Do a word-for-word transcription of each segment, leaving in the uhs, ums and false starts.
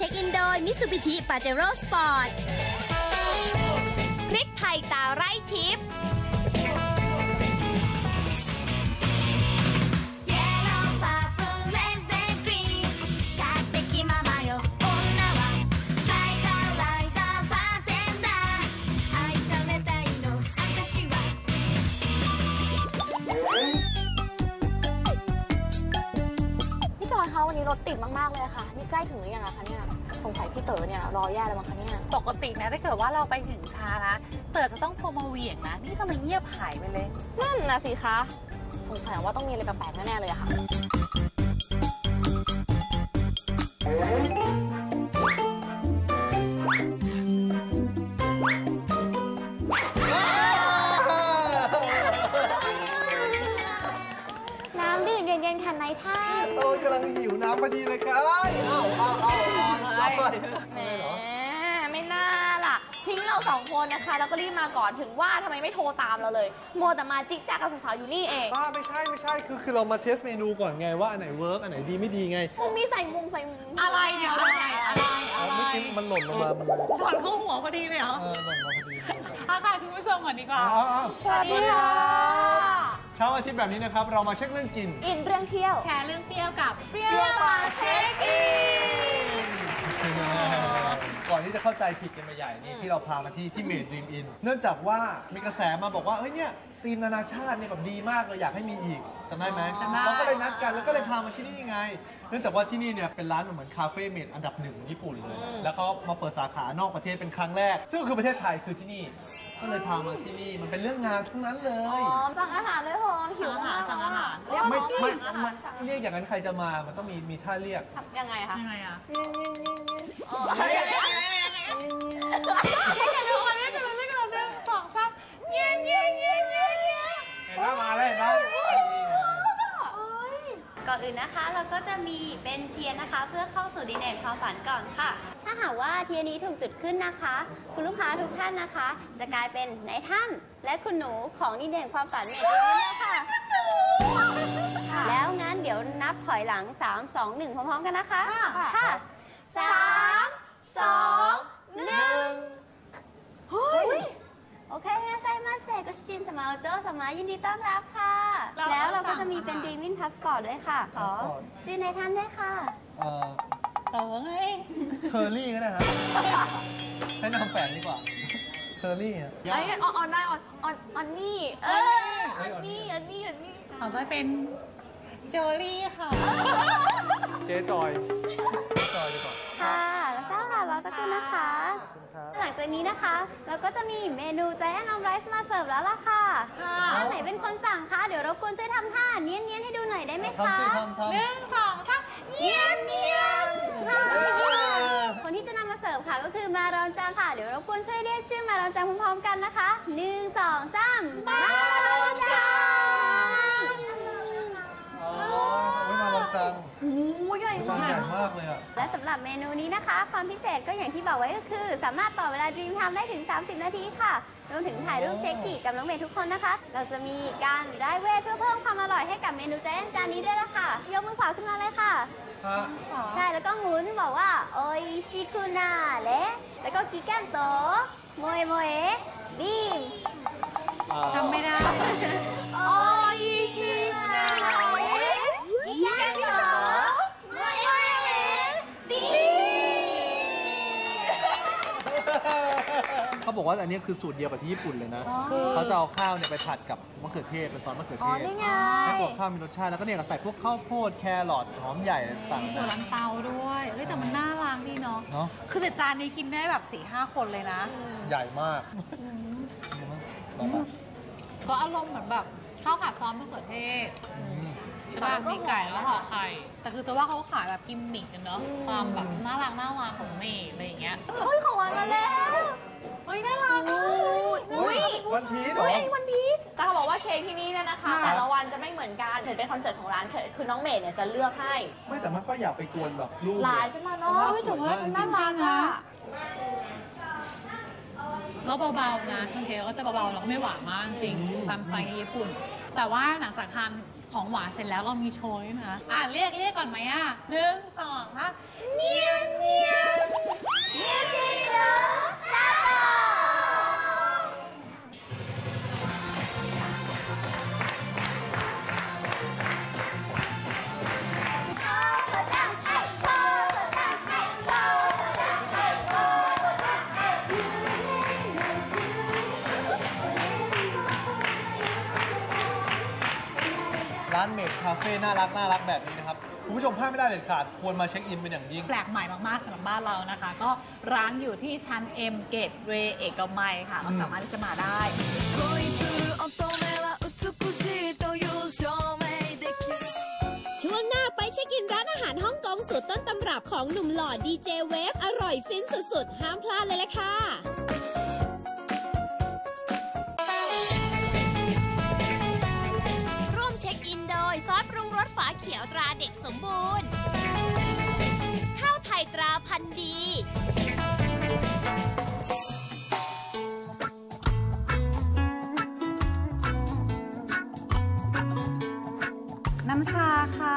ช็คอินโดย Mitsubishi Pajero Sport พริกไทยตาไร่ทิพย์วันนี้รถติดมากๆเลยค่ะนี่ใกล้ถึงหรือยังอะคะเนี่ยสงสัยพี่เต๋อเนี่ยรอแย่แล้วมั้งคะเนี่ยปกตินะถ้าเกิดว่าเราไปถึงช้านะเต๋อจะต้องโทรมาเวียงนะนี่ทำไมเงียบหายไปเลยนั่นนะสิคะสงสัยว่าต้องมีอะไรแปลกๆแน่ๆเลยอะค่ะในท่าโอ้กำลังหิวน้ำพอดีเลยครับเอ้าเอ้าเอ้าเอ้าแหมไม่น่าล่ะทิ้งเราสองคนนะคะแล้วก็รีบมาก่อนถึงว่าทำไมไม่โทรตามเราเลยมัวแต่มาจิ๊กจ๊กกับสาวๆอยู่นี่เองบ้าไม่ใช่ไม่ใช่คือคือเรามาเทสเมนูก่อนไงว่าอันไหนเวิร์กอันไหนดีไม่ดีไงคงมีใส่มุงใส่มุงอะไรเนี่ยอะไรอะไรเมื่อกี้มันหล่นลงมามันเลยหล่นเข้าหัวพอดีเลยเหรอเออหล่นมาพอดีค่ะค่ะคุณผู้ชมก่อนดีกว่าสวัสดีค่ะเช้าอาทิตย์แบบนี้นะครับเรามาเช็คเรื่องกินอินเรื่องเที่ยวแชร์เรื่องเปรี้ยวกับเปรี้ยวมาเช็คอินก่อนที่จะเข้าใจผิดกันไปใหญ่นี่ที่เราพามาที่ที่เมดดรีมอินเนื่องจากว่ามีกระแสมาบอกว่าเฮ้ยเนี่ยธีมนานาชาติเนี่ยแบบดีมากเลยอยากให้มีอีกจำได้ไหมเราก็เลยนัดกันแล้วก็เลยพามาที่นี่ไงเนื่องจากว่าที่นี่เนี่ยเป็นร้านเหมือนคาเฟ่เมดอันดับหนึ่งของญี่ปุ่นเลยแล้วเขามาเปิดสาขานอกประเทศเป็นครั้งแรกซึ่งก็คือประเทศไทยคือที่นี่ก็เลยพามาที่นี่มันเป็นเรื่องงานทั้งนั้นเลยอ๋อสั่งอาหารเลยเหรอหิวอาหารสั่งอาหารไม่ไม่เรียกอย่างนั้นใครจะมามันต้องมีมีท่าเรียกยังไงคะยังไงอ่ะยังไงยังไงยังไงไม่กันทุกคนไม่กันไม่กันหนึ่งสองสามเงี้ยเงี้ยเงี้ยเงี้ยเงี้ยเห็นไหมมาเลยนะก่อนอื่นนะคะเราก็จะมีเป็นเทียนนะคะเพื่อเข้าสู่ดินแดนความฝันก่อนค่ะถ้าหากว่าเทียนนี้ถูกจุดขึ้นนะคะคุณลูกค้าทุกท่านนะคะจะกลายเป็นนายท่านและคุณหนูของดินแดนความฝันเมดเดียวค่ะแล้วงั้นเดี๋ยวนับถอยหลังสาม สอง หนึ่งพร้อมๆกันนะคะค่ะสามสองหนึ่งโอเคนะไซมาเซก็ชินสมาโจสมายินดีต้อนรับค่ะแล้วเราก็จะมีเป็น Dreaming Passport ด้วยค่ะขอชื่อในท่านด้วยค่ะเอ่อต่อไงเทอร์รี่ก็ได้ครับใช้นามแฝงดีกว่าเทอร์รี่อ่ะไอ้ออนได้ออนออนออนนี่เออออนนี่ออนนี่ออนนี่ขอไปเป็นโจลี่ค่ะเจ๊จอยจอยดีกว่าค่ะแล้วก็ค่ะรอสักครู่นะคะหลังจากนี้นะคะเราก็จะมีเมนูใจแอนออมไรซ์มาเสิร์ฟแล้วล่ะค่ะท่านไหนเป็นคนสั่งคะเดี๋ยวรบกวนช่วยทำท่าเนี้ยๆให้ดูหน่อยได้ไหมคะหนึ่งสองสามเนี้ยเนี้ยคนที่จะนำมาเสิร์ฟค่ะก็คือมารอนจังค่ะเดี๋ยวรบกวนช่วยเรียกชื่อมารอนจังพร้อมๆกันนะคะหนึ่งสองสามมารอนจังมาลองจังโอ้ยใหญ่มากใหญ่มากเลยอ่ะและสำหรับเมนูนี้นะคะความพิเศษก็อย่างที่บอกไว้ก็คือสามารถต่อเวลา Dream Time ได้ถึงสามสิบนาทีค่ะรวมถึงถ่ายรูปเช็คกิกับน้องเมย์ทุกคนนะคะเราจะมีการได้เวทเพื่อเพิ่มความอร่อยให้กับเมนูแจ้งจานนี้ด้วยละค่ะยกมือขวาขึ้นมาเลยค่ะใช่แล้วก็หมุนบอกว่าโออิชิคุนาเละแล้วก็กิกันโตโมเอโมเอบีมทำไม่ได้โออิชิคุนากิกันโตโมเอโมเอบีเขาบอกว่าอันนี้คือสูตรเดียวกับที่ญี่ปุ่นเลยนะเขาจะเอาข้าวเนี่ยไปผัดกับมะเขือเทศเป็นซอสมะเขือเทศให้ตัวข้าวมีรสชาติแล้วก็เนี่ยใส่พวกข้าวโพดแครอทหอมใหญ่ต่างๆมีถั่วลันเตาด้วยเฮ้ยแต่มันน่ารักดีเนาะคือแต่จานนี้กินได้แบบสี่ห้าคนเลยนะใหญ่มากก็อารมณ์เหมือนแบบข้าวผัดซอสมะเขือเทศแล้วมีไก่แล้วห่อไข่แต่คือจะว่าเขาขายแบบกิมมิกกันเนาะความแบบน่ารักน่ารักของเมย์อะไรอย่างเงี้ยเฮ้ยของวันมาแล้วเฮ้ยน่ารักอุ้ยวันพีชเหรอวันพีชแต่เขาบอกว่าเค้กที่นี่เนี่ยนะคะแต่ละวันจะไม่เหมือนกันถือเป็นคอนเซ็ปต์ของร้านคือน้องเมย์เนี่ยจะเลือกให้ไม่แต่ไม่ค่อยอยากไปกวนแบบลูกลายใช่ไหมเนาะแต่ว่าน่ารักอ่ะแล้วเบาๆนะบางทีก็จะเบาๆแล้วก็ไม่หวานมากจริงตามสไตล์ญี่ปุ่นแต่ว่าหลังจากทานของหวานเสร็จแล้วเรามีโชยนะอ่ะเรียกเรียกก่อนไหมอ่ะหนึ่งสองฮะเมียวเมียวเมียวจริงเหรอซาโตร้านเมดคาเฟ่น่ารักน่ารักแบบนี้นะครับคุณผู้ชมพลาดไม่ได้เด็ดขาดควรมาเช็คอินเป็นอย่างยิ่งแปลกใหม่มากๆสำหรับบ้านเรานะคะก็ร้านอยู่ที่ชั้น M Gateway เอกมัยค่ะก็สามารถที่จะมาได้ช่วงหน้าไปเช็คอินร้านอาหารฮ่องกงสูตรต้นตำรับของหนุ่มหล่อดีเจเวฟอร่อยฟินสุดๆห้ามพลาดเลยละค่ะร่วมเช็คอินโดยซอสปรุงรสฝาเขียวตราเด็กสมบูรณ์ข้าวไทยตราพันธุ์ดีน้ำชาค่ะ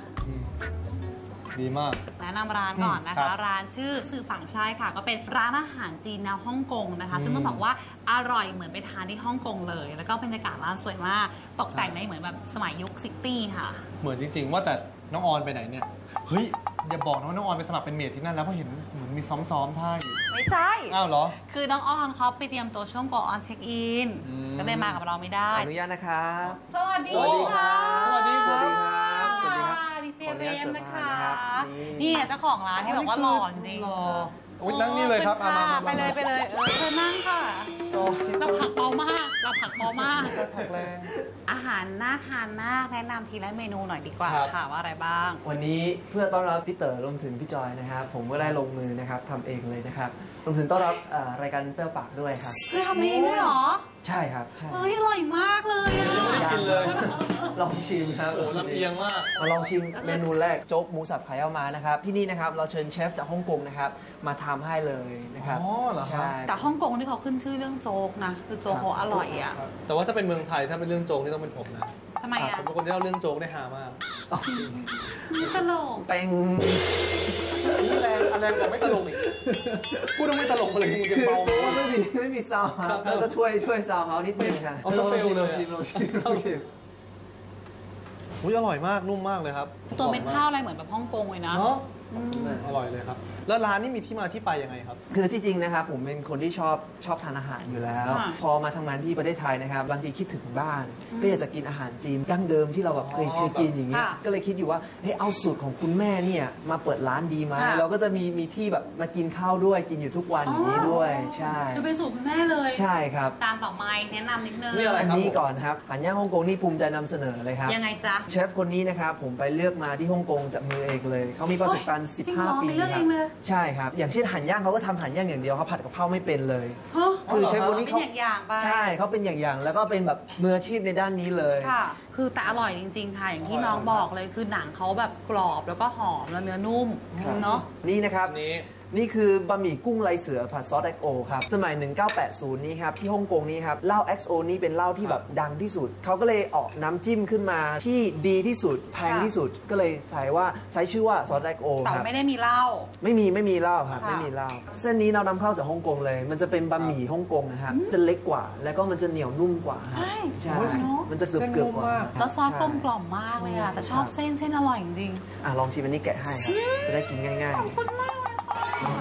ดีมากแนะนำร้านก่อนนะคะร้านชื่อสื่อฝั่งชายค่ะก็เป็นร้านอาหารจีนแนวฮ่องกงนะคะซึ่งต้องบอกว่าอร่อยเหมือนไปทานที่ฮ่องกงเลยแล้วก็บรรยากาศร้านสวยมากตกแต่งในเหมือนแบบสมัยยุคซิตี้ค่ะเหมือนจริงๆว่าแต่น้องออนไปไหนเนี่ยเฮ้ยอย่าบอกนะว่าน้องออนไปสมัครเป็นเมดที่นั่นแล้วเพราะเห็นเหมือนมีซ้อมๆท่าอยู่ไม่ใช่อ้าวเหรอคือน้องออนเขาไปเตรียมตัวช่วงก่อนเช็คอินก็เลยมากับเราไม่ได้อนุญาตนะครับสวัสดีค่ะสวัสดีสวัสดีครับสวัสดีครับดีเจเวมนะคะนี่เจ้าของร้านที่บอกว่าหล่อจริงอุ้ยนั่งนี่เลยครับมาไปเลยไปเลยเออเธอนั่งค่ะเราผักเบามากเราผักเบามากผักแรงอาหารน่าทานมากแนะนำทีละเมนูหน่อยดีกว่าค่ะว่าอะไรบ้างวันนี้เพื่อต้อนรับพี่เต๋อรวมถึงพี่จอยนะครับผมก็ได้ลงมือนะครับทำเองเลยนะครับรวมถึงต้อนรับรายการเปรี้ยวปากด้วยครับคือทำเองด้วยเหรอใช่ครับใช่เฮ้ยอร่อยมากเลยอ่ะไม่กินเลยลองชิมครับโอ้ลำเอียงมากมาลองชิมเมนูแรกโจ๊กหมูสับไข่เอามานะครับที่นี่นะครับเราเชิญเชฟจากฮ่องกงนะครับมาทำให้เลยนะครับอ๋อเหรอครับแต่ฮ่องกงนี่เขาขึ้นชื่อเรื่องโจ๊กนะคือโจ๊กเขาอร่อยอ่ะแต่ว่าถ้าเป็นเมืองไทยถ้าเป็นเรื่องโจ๊กนี่ต้องเป็นผมนะทำไมอ่ะผมเป็นคนที่เล่าเรื่องโจ๊กได้ฮามากตลกเป็งนี่แรงแรงแต่ไม่ตลกอีกพูดต้องไม่ตลกเลยมึงจะเบาไม่มีไม่มีซาวครับแล้วก็ช่วยช่วยซาวเขานิดนึงค่ะเอาเฟลเลยชิมลองชิมลองชิมอุ้ยอร่อยมากนุ่มมากเลยครับตัวเป็นข้าวอะไรเหมือนแบบฮ่องกงเลยนะอร่อยเลยครับแล้วร้านนี้มีที่มาที่ไปยังไงครับคือที่จริงนะครับผมเป็นคนที่ชอบชอบทานอาหารอยู่แล้วพอมาทำงานที่ประเทศไทยนะครับบางทีคิดถึงบ้านก็อยากจะกินอาหารจีนดั้งเดิมที่เราแบบเคยเคยกินอย่างเงี้ยก็เลยคิดอยู่ว่าเฮ้ยเอาสูตรของคุณแม่เนี่ยมาเปิดร้านดีไหมเราก็จะมีมีที่แบบมากินข้าวด้วยกินอยู่ทุกวันอย่างนี้ด้วยใช่คือเป็นสูตรคุณแม่เลยใช่ครับตามต่อมาแนะนำนิดนึงนี่อะไรครับนี่ก่อนครับอาหารย่างฮ่องกงนี่ภูมิใจนำเสนอเลยครับยังไงจ๊ะเชฟคนนี้นะครับผมไปเลือกมาที่ฮ่องกงจากมือเองเลยเขามีประสบการณ์สิบห้าปีใช่ครับอย่างเช่นหั่นย่างเขาก็ทำหั่นย่างอย่างเดียวเขาผัดกับข้าวไม่เป็นเลยคือเชฟคนนี้เขาใช่เขาเป็นอย่างๆแล้วก็เป็นแบบมืออาชีพในด้านนี้เลยค่ะคือแต่อร่อยจริงๆค่ะอย่างที่น้องบอกเลยคือหนังเขาแบบกรอบแล้วก็หอมแล้วเนื้อนุ่มเนาะนี่นะครับนี่นี่คือบะหมี่กุ้งลายเสือผัดซอส เอ็กซ์ โอ ครับสมัยหนึ่งเก้าแปดศูนย์นี้ครับที่ฮ่องกงนี้ครับเหล้า เอ็กซ์ โอ นี่เป็นเหล้าที่แบบดังที่สุดเขาก็เลยออกน้ำจิ้มขึ้นมาที่ดีที่สุดแพงที่สุดก็เลยใส่ว่าใช้ชื่อว่าซอส เอ็กซ์ โอครับแต่ไม่ได้มีเหล้าไม่มีไม่มีเหล้าครับไม่มีเหล้าเส้นนี้เรานำเข้าจากฮ่องกงเลยมันจะเป็นบะหมี่ฮ่องกงนะครับจะเล็กกว่าแล้วก็มันจะเหนียวนุ่มกว่าใช่ใช่มันจะเกือบเกือบกว่าแล้วซอสกลมกล่อมมากเลยอ่ะแต่ชอบเส้นเส้นอร่อยจริงอ่ะลองชิมอันนี้แกะให้ครับจะได้กินง่ายๆขอบคุณมากเลยค่ะ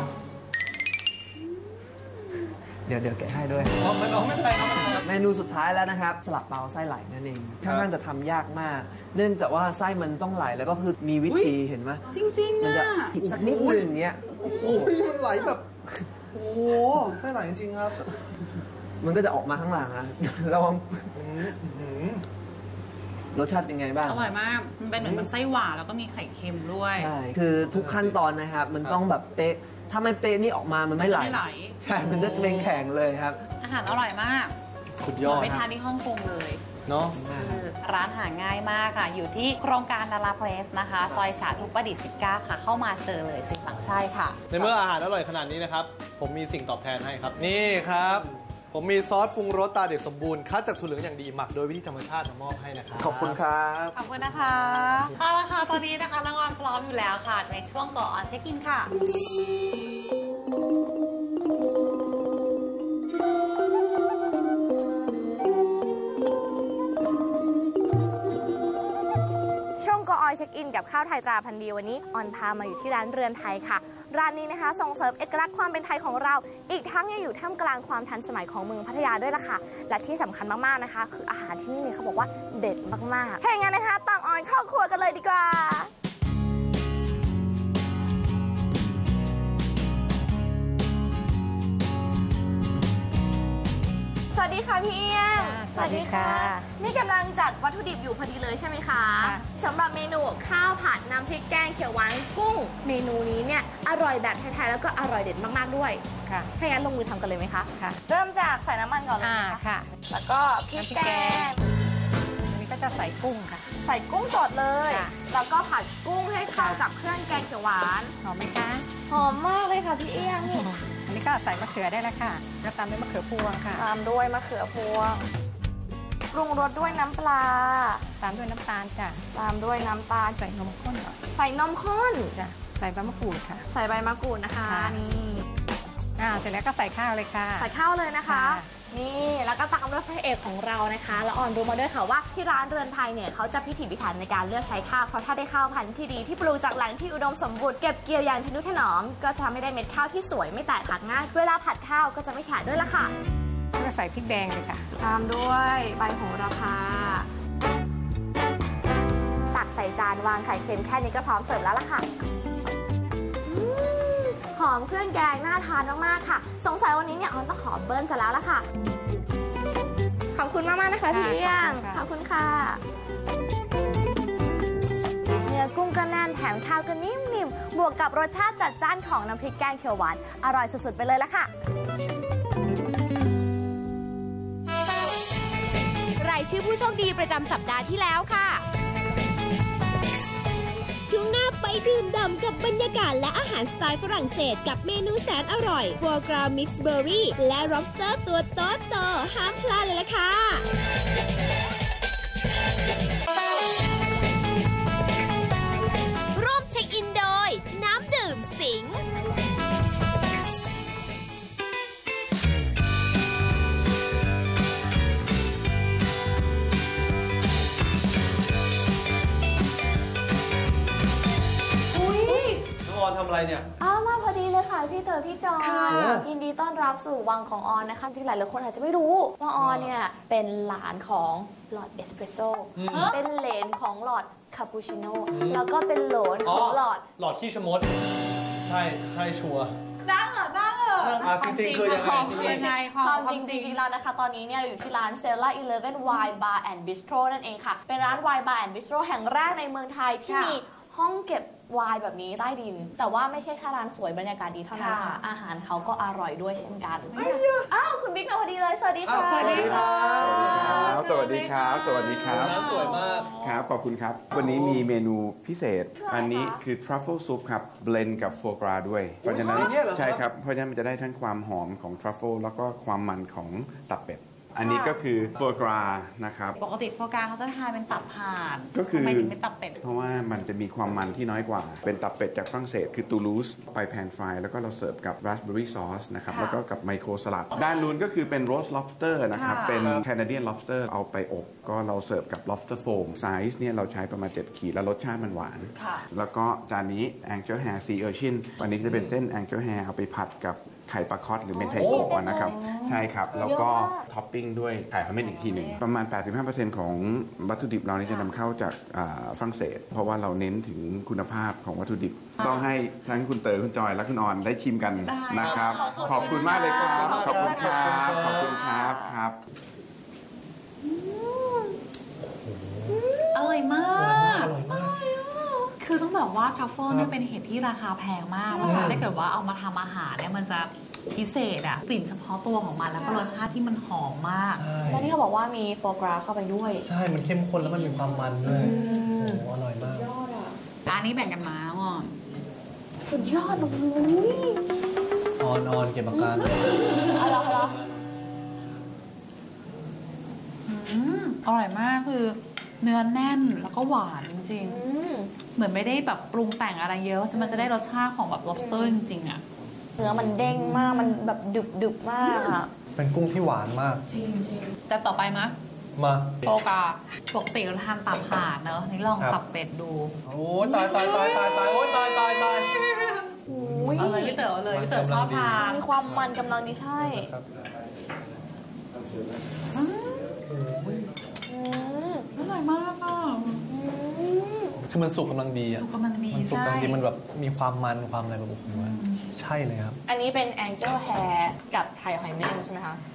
เดี๋ยวเดี๋ยวแกะให้ด้วยไม่ต้องไม่เป็นเมนูสุดท้ายแล้วนะครับสลัดเปาไส้ไหลนั่นเองค่อนข้างจะทำยากมากเนื่องจากว่าไส้มันต้องไหลแล้วก็คือมีวิธีเห็นไหมจริงๆมันจะผิดสักนิดนึงเนี้ยโอ้ยมันไหลแบบโอ้ไส้ไหลจริงๆครับมันก็จะออกมาข้างหลังนะระวังรสชาติเป็นไงบ้างอร่อยมากมันเป็นเหมือนแบบไส้หวานแล้วก็มีไข่เค็มด้วยใช่คือทุกขั้นตอนนะครับมันต้องแบบเป๊ะถ้าไม่เป๊ะนี่ออกมามันไม่ไหลใช่มันจะเป็นแข็งเลยครับอาหารอร่อยมากสุดยอดไปนะทานที่ฮ่องกงเลยเนาะคือร้านหาง่ายมากค่ะ อยู่ที่โครงการดาราเพลสนะคะ ซอยสาธุประดิษฐ์สิบเก้าค่ะ เข้ามาเจอเลยสิฝั่งใช่ค่ะในเมื่ออาหารอร่อยขนาดนี้นะครับ ผมมีสิ่งตอบแทนให้ครับ นี่ครับ ผมมีซอสปรุงรสตาเด็กสมบูรณ์คัดจากถั่วเหลืองอย่างดีหมักโดยวิธีธรรมชาติมามอบให้นะครับขอบคุณครับขอบคุณนะคะเอาละค่ะ ตอนนี้นะคะน้องออนพร้อมอยู่แล้วค่ะ ในช่วงก่อนเช็คอินค่ะช่วงก็ออยเช็คอินกับข้าวไทยตราพันธุ์ดีวันนี้ออนพามาอยู่ที่ร้านเรือนไทยค่ะ ร้านนี้นะคะส่งเสริมเอกลักษณ์ความเป็นไทยของเรา อีกทั้งยังอยู่ท่ามกลางความทันสมัยของเมืองพัทยาด้วยล่ะค่ะ และที่สำคัญมากๆนะคะ คืออาหารที่นี่เนี่ยเขาบอกว่าเด็ดมากๆถ้าอย่างนั้นนะคะตามออนเข้าครัวกันเลยดีกว่า สวัสดีค่ะพี่เอี้ยงสวัสดีค่ะนี่กำลังจัดวัตถุดิบอยู่พอดีเลยใช่ไหมคะสำหรับเมนูข้าวผัดน้ำพริกแกงเขียวหวานกุ้ง เมนูนี้เนี่ยอร่อยแบบไทยๆแล้วก็อร่อยเด็ดมากๆด้วยค่ะถ้างั้นลงมือทำกันเลยไหมคะค่ะเริ่มจากใส่น้ำมันก่อนเลยอ่านะคะค่ะแล้วก็พริกแกงอันนี้ก็จะใส่กุ้งค่ะใส่กุ้งสดเลยค่ะแล้วก็ผัดกุ้งให้เข้ากับเครื่องแกงเขียวหวานหอมไหมคะหอมมากเลยค่ะพี่เอี้ยงนี่อันนี้ก็ใส่มะเขือได้แล้วค่ะแล้วตามด้วยมะเขือพวงค่ะตามด้วยมะเขือพวงปรุงรสด้วยน้ำปลาตามด้วยน้ำตาลจ้ะตามด้วยน้ำตาลใส่นมข้นหน่อยใส่นมข้นจ้ะใส่ใบมะกรูดค่ะใส่ใบมะกรูดนะคะค่ะนี่อ่าเสร็จแล้วก็ใส่ข้าวเลยค่ะใส่ข้าวเลยนะคะค่ะนี่แล้วก็ตามด้วยพระเอกของเรานะคะแล้วออนรู้มาด้วยค่ะว่าที่ร้านเรือนไทยเนี่ยเขาจะพิถีพิถันในการเลือกใช้ข้าวเพราะถ้าได้ข้าวพันธุ์ที่ดีที่ปลูกจากแหล่งที่อุดมสมบูรณ์เก็บเกี่ยวอย่างทนุถนอมก็จะไม่ได้เม็ดข้าวที่สวยไม่แตกหักง่ายเวลาผัดข้าวก็จะไม่ฉาดด้วยละค่ะแล้วก็ใส่พริกแดงเลยค่ะตามด้วยใบโหระพาตักใส่จานวางไข่เค็มแค่นี้ก็พร้อมเสิร์ฟแล้วล่ะค่ะอืมหอมเครื่องแกงน่าทานมากๆค่ะสงสัยวันนี้เนี่ยออนต้องขอเบิ้ลซะแล้วล่ะค่ะขอบคุณมากๆนะคะพี่เอี้ยงขอบคุณค่ะเนื้อกุ้งก็แน่นแถมข้าวก็นิ่มๆบวกกับรสชาติจัดจ้านของน้ำพริกแกงเขียวหวานอร่อยสุดๆไปเลยละค่ะรายชื่อผู้โชคดีประจำสัปดาห์ที่แล้วค่ะ ช่วงหน้าไปดื่มด่ำกับบรรยากาศและอาหารสไตล์ฝรั่งเศสกับเมนูแสนอร่อยฟัวกรามิกซ์เบอร์รี่และ lobster ตัวโตๆห้ามพลาดเลยล่ะค่ะ ร่วมเช็คอินโดย น้ำดื่มสิงน้องออนทำอะไรเนี่ยอ้าวมาพอดีเลยค่ะพี่เต๋อพี่จอยค่ะยินดีต้อนรับสู่วังของออนนะคะจริงๆหลายหลายคนอาจจะไม่รู้ว่าออนเนี่ยเป็นหลานของหลอดเอสเปรสโซ่เป็นเหลนของหลอดคาปูชิโน่แล้วก็เป็นโหลนของหลอดหลอดขี้ชะมด ใช่ใช่ชัวร์ดังเหรอดังเหรออ่ะจริงๆคือยังไงความจคือริงยังไงคควาวามมจริงจริงๆแล้วนะคะ ตอนนี้เนี่ยเราอยู่ที่ร้าน Stella Eleven Wine Bar and Bistro นั่นเองค่ะ เป็นร้าน Wine Bar and Bistro แห่งแรกในเมืองไทยที่มีห้องเก็บไวน์แบบนี้ใต้ดิน แต่ว่าไม่ใช่แค่ร้านสวยบรรยากาศดีเท่านั้นค่ะ อาหารเขาก็อร่อยด้วยเช่นกันอ้าวคุณบิ๊กมาพอดีเลย สวัสดีค่ะอ้าวสวัสดีครับสวัสดีครับ สวัสดีครับร้านสวยมากครับ ขอบคุณครับ วันนี้มีเมนูพิเศษ อันนี้คือ truffle soup ครับ เบลนด์กับโฟกราด้วย เพราะฉะนั้นอย่างเงี้ยเหรอครับใช่ครับ เพราะฉะนั้นมันจะได้ทั้งความหอมของ truffle แล้วก็ความมันของตับเป็ด อันนี้ก็คือโฟกรานะครับปกติโฟกาเขาจะทานเป็นตับห่านก็คือทำไมถึงเป็นตับเป็ดเพราะว่ามันจะมีความมันที่น้อยกว่า เป็นตับเป็ดจากฝรั่งเศส คือตูลูส ไปแพนฟรายแล้วก็เราเสิร์ฟกับราสเบอร์รี่ซอสนะครับ แล้วก็กับไมโครสลัด ด้านนู้นก็คือเป็นโรส lobster นะครับค่ะเป็นแคนาเดียน lobster เอาไปอบ ก็เราเสิร์ฟกับ lobster foam ไซส์เนี่ยเราใช้ประมาณเจ็ดขีดแล้วรสชาติมันหวานค่ะแล้วก็จานนี้ angel hair sea urchin อันนี้จะเป็นเส้น angel hair เอาไปผัดกับไข่ปลาคอตหรือเมนไทโกะนะครับ ใช่ครับ แล้วก็ท็อปปิ้งด้วยไข่พาเมนอีกทีหนึ่ง ประมาณ แปดสิบห้าเปอร์เซ็นต์ ของวัตถุดิบเรานี่จะนำเข้าจากอ่าฝรั่งเศส เพราะว่าเราเน้นถึงคุณภาพของวัตถุดิบ ต้องให้ทั้งคุณเต๋อคุณจอยและคุณออนได้ชิมกันนะครับ ขอบคุณมากเลยครับ ขอบคุณครับ ขอบคุณครับครับอร่อยมากอร่อยมากคือต้องบอกว่าทรัฟเฟิลเนี่ยเป็นเห็ดที่ราคาแพงมาก เพราะฉะนั้นถ้าเกิดว่าเอามาทำอาหารเนี่ยมันจะพิเศษอะกลิ่นเฉพาะตัวของมันแล้วก็รสชาติที่มันหอมมากแล้วนี่เขาบอกว่ามีโฟกราเข้าไปด้วยใช่มันเข้มข้นแล้วมันมีความมันด้วยโอ้โหอร่อยมากอันนี้แบ่งกันมาอ่อนสุดยอดโอ้โหออนออนเก็บอาการอร่อยเหรออืมอร่อยมากคือเนื้อแน่นแล้วก็หวานจริงๆเหมือนไม่ได้แบบปรุงแต่งอะไรเยอะมันจะได้รสชาติของแบบ lobster จริงๆอะเนื้อมันเด้งมากมันแบบดึบดึบมากอะเป็นกุ้งที่หวานมากจริงจริงแต่ต่อไปมะมาโฟกาปกติเราทานตับห่านเนอะนี่ลองตับเป็ดดูโอ้ตายตายตายตายตายโอ้ตายตายตายเอาเลยพี่เต๋อเลยพี่เต๋อชอบทานมีความมันกำลังดีใช่อร่อยมากอ่ะคือมันสุกกำลังดีอ่ะสุกกำลังดีมันสุกกำลังดีมันแบบมีความมันความอะไรแบบโอ้โหใช่เลยครับอันนี้เป็น Angel Hair กับไทยหอยเม่นใช่ไหมคะ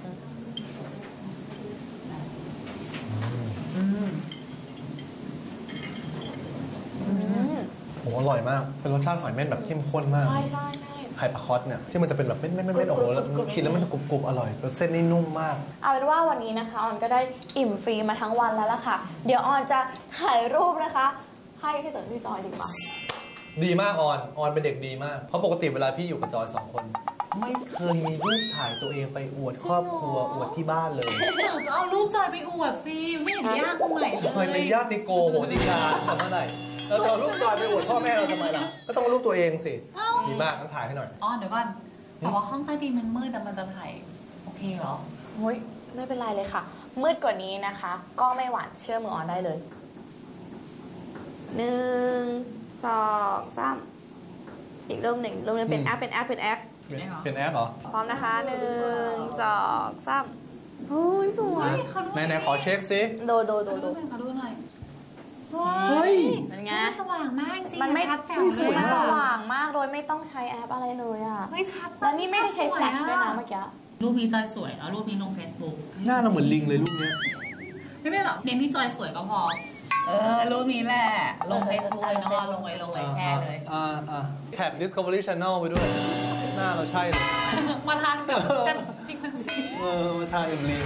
โหอร่อยมากเป็นรสชาติหอยเม่นแบบเข้มข้นมากใช่ใช่ใช่ไข่ปลาคอสเนี่ยที่มันจะเป็นแบบเม่นเม่นเม่นโอ้โหกินแล้วมันจะกรุบกรุบอร่อยเส้นนี่นุ่มมากเอาเป็นว่าวันนี้นะคะออนก็ได้อิ่มฟรีมาทั้งวันแล้วล่ะค่ะเดี๋ยวออนจะถ่ายรูปนะคะให้พี่เต๋อพี่จอยดีกว่าดีมากออนออนเป็นเด็กดีมากเพราะปกติเวลาพี่อยู่กับจอยสองคนไม่เคยมีรูปถ่ายตัวเองไปอวดครอบครัวอวดที่บ้านเลยก็เอารูปจอยไปอวดสิไม่เห็นยากตรงไหนเลยเคยเป็นญาติโกโหติกาทำเมื่อไหร่เราจะเอารูปจอยไปอวดพ่อแม่เราทำไมล่ะก็ต้องรูปตัวเองสิดีมากต้องถ่ายให้หน่อยอ๋อเดี๋ยวก่อนแต่ว่าห้องใต้ดินมันมืดแต่มันจะถ่ายโอเคเหรอเฮ้ยไม่เป็นไรเลยค่ะมืดกว่านี้นะคะก็ไม่หวานเชื่อมือออนได้เลยหนึ่งสองสามอีกรูปหนึ่งรูปนึงเป็นแอปเป็นแอปเป็นแอปเป็นแอปเหรอพร้อมนะคะหนึ่งสองสามโอ้ยสวยไหนไหนขอเช็คซิโดโดโดโดขอดูหน่อยเฮ้ยมันไงสว่างมากจริงมันไม่ชัดแจ๋วเลยมันสว่างมากโดยไม่ต้องใช้แอปอะไรเลยอ่ะไม่ชัดแล้วนี่ไม่ได้ใช้แฟลชด้วยนะเมื่อกี้รูปนี้จอยสวยแล้วรูปนี้ลง Facebook หน้าเราเหมือนลิงเลยรูปนี้ไม่เป็นหรอกเน้นที่จอยสวยก็พอเออรูปนี้แหละลง Facebook เลยน้องลงไว้ลงไว้แชร์เลยอ่าอ่าแท็ก Discovery Channel ไปด้วยหน้าเราใช่เลยมาทานแบบจริงจริงเออมาทานเป็นลิง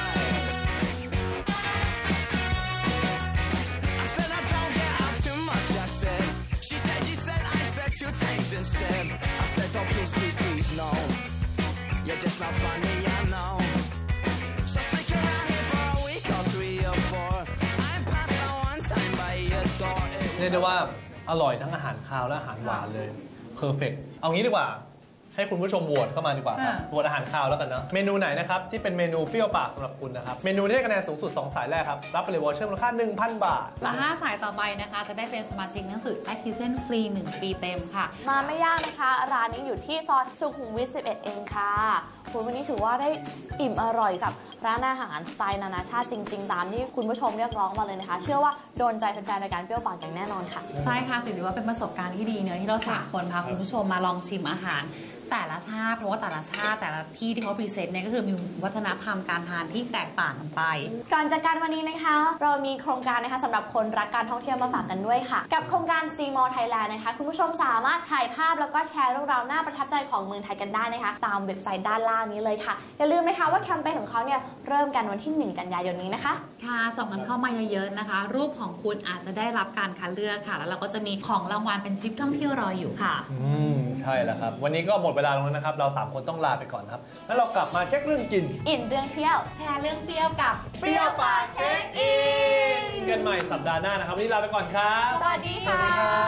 Instead, I said, oh, please, please, please, no. You're just not funny, I know. So stick around here for a week or three or four. I'm past my one time by your door. เรียกได้ว่าอร่อยทั้งอาหารคาวและอาหารหวานเลยเพอร์เฟกต์เอางี้ดีกว่าให้คุณผู้ชมโหวตเข้ามาดีกว่าครับโหวตอาหารคาวแล้วกันเนาะเมนูไหนนะครับที่เป็นเมนูเปรี้ยวปากสำหรับคุณนะครับเมนูที่ได้คะแนนสูงสุดสองสายแรกครับรับไปเลยวอเชอร์มูลค่า หนึ่งพัน บาทและห้าสายต่อไปนะคะจะได้เป็นสมาชิกหนังสือ Actizen ฟรีหนึ่งปีเต็มค่ะมาไม่ยากนะคะร้านนี้อยู่ที่ซอยสุขุมวิทสิบเอ็ดเองค่ะคุณวันนี้ถือว่าได้อิ่มอร่อยกับร้านอาหารสไตล์นานาชาติจริงๆตามที่คุณผู้ชมเรียกร้องมาเลยนะคะเชื่อว่าโดนใจแฟนๆรายการเปรี้ยวปากอย่างแน่นอนค่ะใช่ค่ะถือว่าเป็นประสบการณ์ที่ดีเนอะที่เราสามคนพาคุณผู้ชมมาลองชิมอาหารแต่ละชาติเพราะว่าแต่ละชาติแต่ละที่ที่เขาพรีเซนต์เนี่ยก็คือมีวัฒนธรรมการทานที่แตกต่างกันไปก่อนจากการวันนี้นะคะเรามีโครงการนะคะสำหรับคนรักการท่องเที่ยวมาฝากกันด้วยค่ะกับโครงการ ซี มอล Thailand นะคะคุณผู้ชมสามารถถ่ายภาพแล้วก็แชร์เรื่องราวน่าประทับใจของเมืองไทยกันได้นะคะตามเว็บไซต์ด้านล่างนี้เลยค่ะอย่าลืมนะคะว่าแคมเปญของเขาเนี่ยเริ่มกันวันที่หนึ่งกันยายนนี้นะคะค่ะส่งกันเข้ามาเยอะๆนะคะรูปของคุณอาจจะได้รับการคัดเลือกค่ะแล้วเราก็จะมีของรางวัลเป็นทริปท่องเที่ยวรออยู่ค่ะอืมใช่แล้วครับวันนี้ก็หมดเวลาลงแล้วนะครับเราสามคนต้องลาไปก่อนครับแล้วเรากลับมาเช็คเรื่องกินอิ่มเรื่องเที่ยวแชร์เรื่องเปรี้ยวกับเปรี้ยวปากเช็คอินกันใหม่สัปดาห์หน้านะครับวันนี้ลาไปก่อนครับสวัสดีค่ะ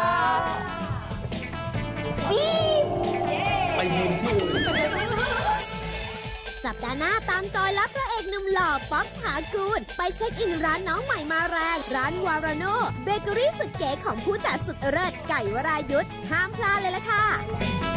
บีไปยืนที่อื่นสัปดาห์หน้าตามจอยและพระเอกหนุ่มหล่อป๊อกถากูลไปเช็คอินร้านน้องใหม่มาแรงร้านวาราโนเบเกอรี่สุดเก๋ของผู้จัดสุดเลิศไก่วรายุทธห้ามพลาดเลยล่ะค่ะ